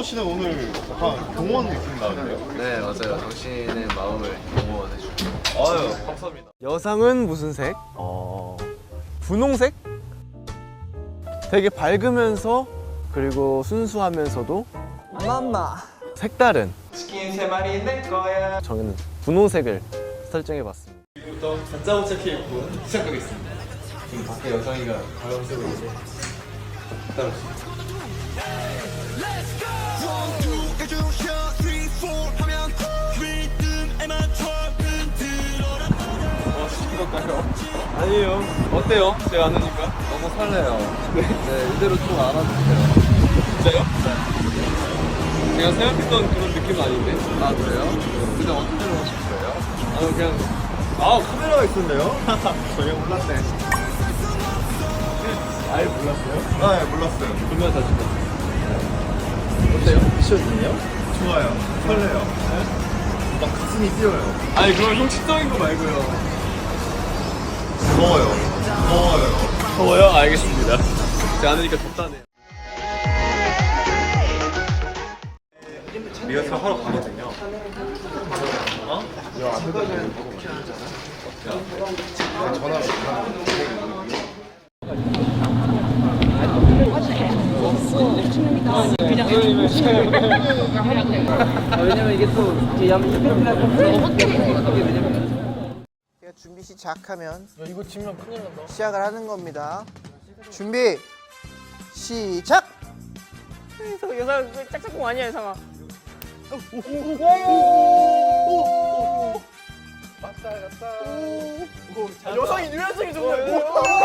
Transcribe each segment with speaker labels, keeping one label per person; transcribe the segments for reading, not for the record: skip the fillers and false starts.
Speaker 1: 씨는 오늘 약간 공무원 느낌 나는데요?
Speaker 2: 네 맞아요. 당신의 마음을 공무원해주고.
Speaker 1: 아유 감사합니다.
Speaker 3: 여상은 무슨 색? 분홍색? 되게 밝으면서 그리고 순수하면서도
Speaker 4: 맘마.
Speaker 3: 색다른
Speaker 2: 치킨 3마리 내 거야.
Speaker 3: 저는 분홍색을 설정해봤습니다.
Speaker 2: 지금부터 가짜오차 케이크 시작하겠습니다. 지금 밖에 여성이가 바람 쐬고 있는데 따라오시죠.
Speaker 3: 아니에요. 어때요? 제가 안 오니까?
Speaker 2: 너무 설레요. 네, 이대로 좀 안아주세요.
Speaker 3: 진짜요? 제가 생각했던 그런 느낌은 아닌데.
Speaker 2: 아 그래요? 근데 어떻게 하실 거예요?
Speaker 3: 그냥
Speaker 1: 카메라가 있었네요? 전혀 몰랐네.
Speaker 3: 아예 몰랐어요?
Speaker 1: 아, 예, 몰랐어요.
Speaker 3: 얼마나 자주
Speaker 2: 어때요? 미션이요?
Speaker 1: 좋아요. 설레요. 막 가슴이 뛰어요.
Speaker 3: 아니 그건 형식적인 거 말고요.
Speaker 1: 더워요. 더워요.
Speaker 3: 더워요? 알겠습니다. 제가 안 오니까 덥다네요.
Speaker 1: 리허설 하러 가거든요.
Speaker 4: 왜냐면 이게 또 이제 준비 시작하면
Speaker 3: 이거 치면 큰일 난다.
Speaker 4: 시작을 하는 겁니다. 준비 시작.
Speaker 5: 여상 짝짝꿍 아니야 여상아. 여상이 유연성이 좋네.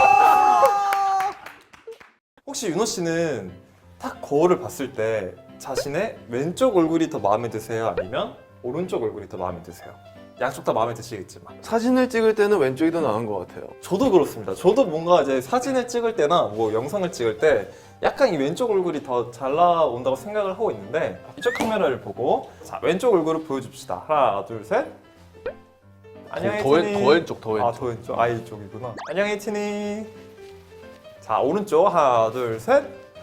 Speaker 6: 혹시 윤호 씨는 딱 거울을 봤을 때 자신의 왼쪽 얼굴이 더 마음에 드세요? 아니면 오른쪽 얼굴이 더 마음에 드세요? 양쪽 다 마음에 드시겠지만
Speaker 3: 사진을 찍을 때는 왼쪽이 더 나은 것 같아요.
Speaker 6: 저도 그렇습니다. 저도 뭔가 이제 사진을 찍을 때나 뭐 영상을 찍을 때 약간 이 왼쪽 얼굴이 더 잘 나온다고 생각을 하고 있는데 이쪽 카메라를 보고 자 왼쪽 얼굴을 보여줍시다. 하나 둘 셋. 안녕
Speaker 3: 더
Speaker 6: 혜진이.
Speaker 3: 왼쪽, 더 왼쪽.
Speaker 6: 아 더 왼쪽. 아 이쪽이구나. 안녕 혜진이. 자 오른쪽 하나 둘 셋.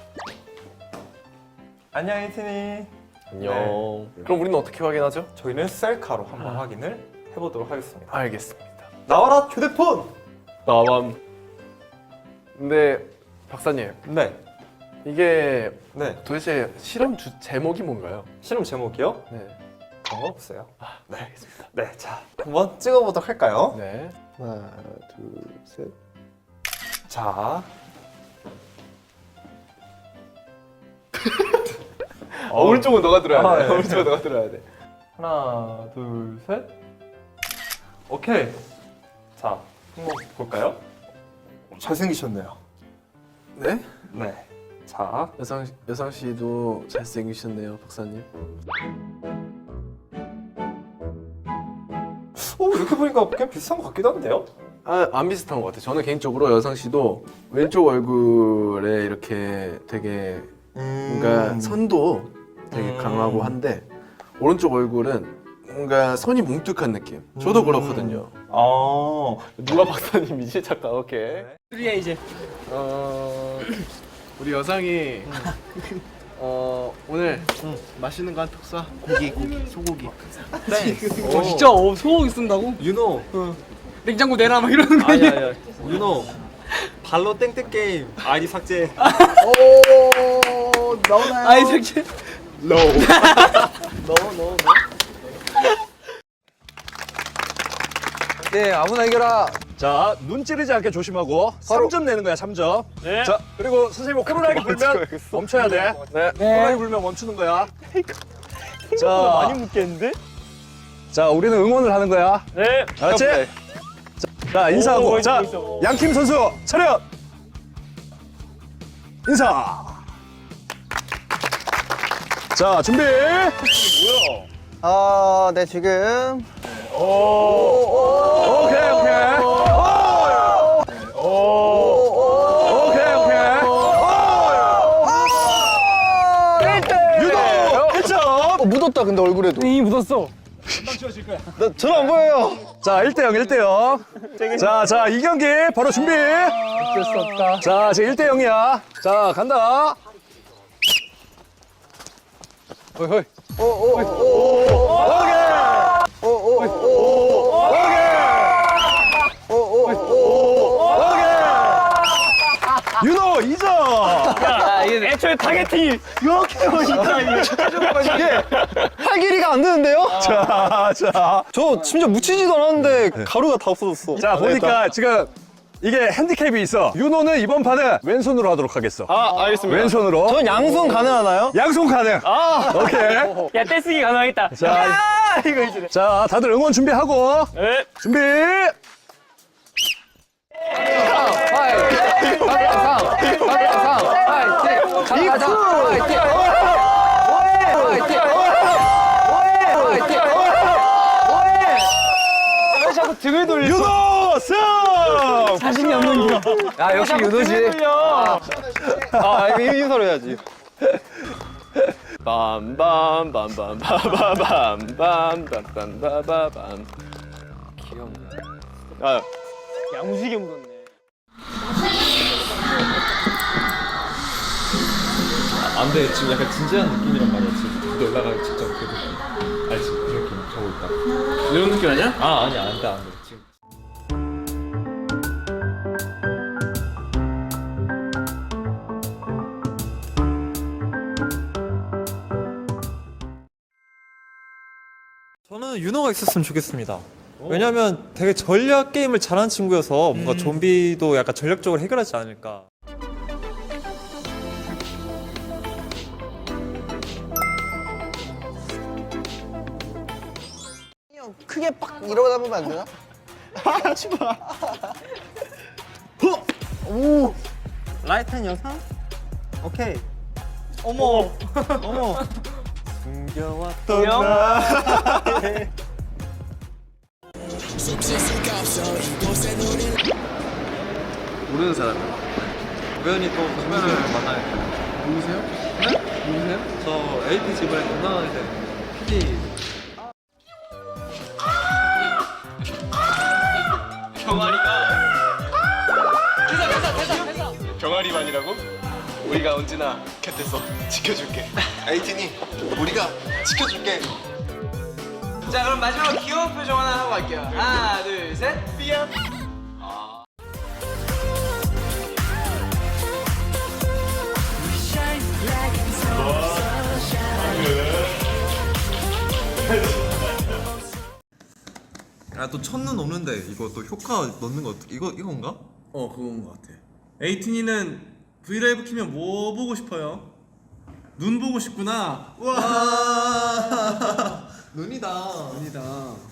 Speaker 6: 안녕 혜진이.
Speaker 3: 안녕.
Speaker 6: 네.
Speaker 3: 그럼 우리는 어떻게 확인하죠?
Speaker 6: 저희는 셀카로 한번 확인을 해보도록 하겠습니다.
Speaker 3: 알겠습니다.
Speaker 6: 나와라 휴대폰!
Speaker 3: 나밤. 근데 박사님,
Speaker 6: 네,
Speaker 3: 이게
Speaker 6: 네.
Speaker 3: 도대체 실험 제목이 뭔가요?
Speaker 6: 실험 제목이요?
Speaker 3: 네.
Speaker 6: 그런 거 없어요.
Speaker 3: 네, 알겠습니다.
Speaker 6: 네, 자 한번 찍어보도록 할까요?
Speaker 3: 네.
Speaker 4: 하나 둘 셋.
Speaker 6: 자,
Speaker 3: 오른쪽은 너가 들어야 돼.
Speaker 6: 아, 네.
Speaker 3: 오른쪽은 너가 들어야 돼.
Speaker 6: 하나, 둘, 셋. 오케이. 자, 한번 볼까요? 잘생기셨네요.
Speaker 3: 네?
Speaker 6: 네. 자,
Speaker 3: 여상 씨도 잘생기셨네요, 박사님.
Speaker 6: 이렇게 보니까 그냥 비슷한 것 같기도 한데요?
Speaker 3: 안 비슷한 것 같아요. 저는 개인적으로 여상 씨도 왼쪽 얼굴에 이렇게 되게 뭔가 선도 되게 강하고 한데 오른쪽 얼굴은 뭔가 선이 뭉툭한 느낌. 저도 그렇거든요.
Speaker 6: 아,
Speaker 3: 누가 박사님이지? 잠깐, 오케이.
Speaker 4: 우리야 이제.
Speaker 3: 우리 여상이 오늘 맛있는 거 한턱 쏴. 고기, 소고기.
Speaker 4: 진짜 소고기 쓴다고?
Speaker 6: 윤호.
Speaker 4: 냉장고 내놔 막 이러는 거 아니야?
Speaker 6: 아니야. 윤호. 발로 땡땡 게임 아이디 삭제.
Speaker 4: 오 나오나요?
Speaker 5: 아이 새끼.
Speaker 4: 네 아무나 이겨라.
Speaker 7: 자, 눈 찌르지 않게 조심하고 3점 내는 거야, 3점. 네. 자, 그리고 선생님 코로나게 불면 멈춰야 돼. 네. 코로나게 불면 멈추는 거야. 자, 많이 묻겠는데? 자, 우리는 응원을 하는 거야. 네. 알았지? 자, 인사하고. 자, 양팀 선수 차렷. 인사. 자, 준비.
Speaker 4: 네 지금.
Speaker 7: 오케이, 오케이. 오케이, 오케이. 유도 1점.
Speaker 4: 묻었다 근데 얼굴에도.
Speaker 5: 이 묻었어.
Speaker 4: 저는 안 보여요.
Speaker 7: 자, 1대0, 1대0. 자, 이 경기 바로 준비.
Speaker 5: 어쩔 수 없다.
Speaker 7: 자, 지금 1대0이야. 자, 간다.
Speaker 4: 호이 호이.
Speaker 7: 윤호 2점.
Speaker 5: 애초에 타겟팅이 이렇게 멋있다 이게.
Speaker 4: 팔 길이가 안 되는데요?
Speaker 7: 자.
Speaker 6: 저 심지어 묻히지도 않았는데 가루가 다 없어졌어.
Speaker 7: 자, 보니까 지금 이게 핸디캡이 있어. 윤호는 이번 판은 왼손으로 하도록 하겠어.
Speaker 6: 알겠습니다.
Speaker 7: 왼손으로.
Speaker 6: 전 양손 가능하나요?
Speaker 7: 양손 가능. 오케이.
Speaker 5: 야 떼쓰기 가능하겠다.
Speaker 7: 자,
Speaker 5: 이거 이제.
Speaker 7: 자, 다들 응원 준비하고.
Speaker 5: 네.
Speaker 7: 준비. 윤호 승!
Speaker 5: 자신이 없는 겨.
Speaker 4: 야 역시 윤호지.
Speaker 6: 인사로 해야지.
Speaker 3: 빰빰빰빰빰빰빰빰빰빰빰.
Speaker 5: 야무지게 묻었네.
Speaker 2: 안 돼. 지금 약간 진지한 느낌이란 말이야. 지금 무대 올라가기 직전 그 느낌. 알지? 그 느낌 가고 있다.
Speaker 3: 이런 느낌 아니야?
Speaker 2: 아니야. 안 돼. 지금.
Speaker 6: 저는 윤호가 있었으면 좋겠습니다. 왜냐면 되게 전략 게임을 잘하는 친구여서 뭔가 좀비도 약간 전략적으로 해결하지 않을까.
Speaker 4: 크게 팍 이러다 보면 안 되나?
Speaker 6: 라이트한 여상? 오케이.
Speaker 5: 어머.
Speaker 6: 어머. 숨겨왔던
Speaker 5: 형?
Speaker 6: 나의
Speaker 3: 모르는 사람이야.
Speaker 6: 우연히 또 선배를 만나요.
Speaker 3: 누구세요? 네? 누구세요?
Speaker 6: 저 AP 지브에 건강하게 된 PD.
Speaker 1: 병아리만이라고? 우리가 언제나 곁에서 지켜줄게. 에이틴이 우리가 지켜줄게.
Speaker 8: 자 그럼 마지막으로 귀여운 표정 하나 하고 갈게요. 하나 둘 셋.
Speaker 1: 삐약.
Speaker 6: 또 첫눈 오는데 이거 또 효과 넣는 거 이건가?
Speaker 3: 그건 것 같아.
Speaker 9: 에이틴이는 브이라이브 키면 뭐 보고 싶어요? 눈 보고 싶구나.
Speaker 6: 와 눈이다.
Speaker 3: 아니다.